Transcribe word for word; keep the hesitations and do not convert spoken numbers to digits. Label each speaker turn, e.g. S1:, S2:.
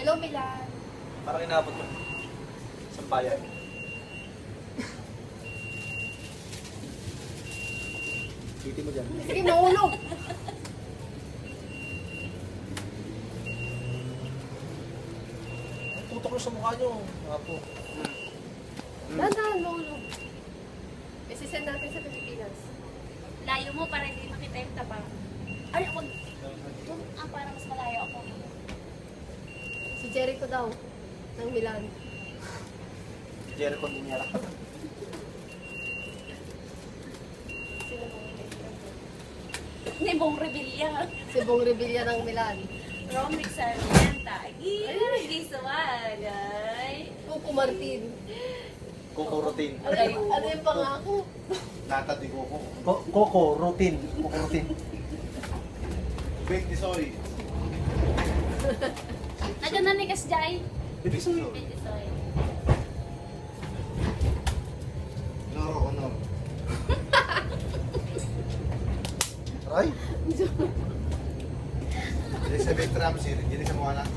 S1: Hello, Milan.
S2: Parang inabot mo. Sampayan. Titi mo dyan.
S1: Sige, mahulog.
S2: Tutok ko sa mukha nyo. Apo.
S1: Dahan-dahan, mahulog. Isisend natin sa Pilipinas.
S3: Layo mo para hindi makita yung taba. Ay, wag. Doon, ah, para mas malayo ako.
S1: Si Jericho daw, ng Milan.
S2: Jericho Niñera.
S1: Sino bang
S3: Hindi, buong rebelya.
S1: Si Bong Revilla ng Milan.
S3: Romric Sarmienta. Ay, gisuwan. Ay.
S1: Coco Martin.
S2: Coco routine.
S1: Ano, yung- ano yung pangako?
S2: Nata di Coco. Coco routine. Coco routine. Bake di soy.
S3: Nadyan na ni Kasjay.
S2: Bake soy.
S3: Pwede soy.
S2: Loro honor. Aray. Elizabeth Ramsey, hindi sa mga anak.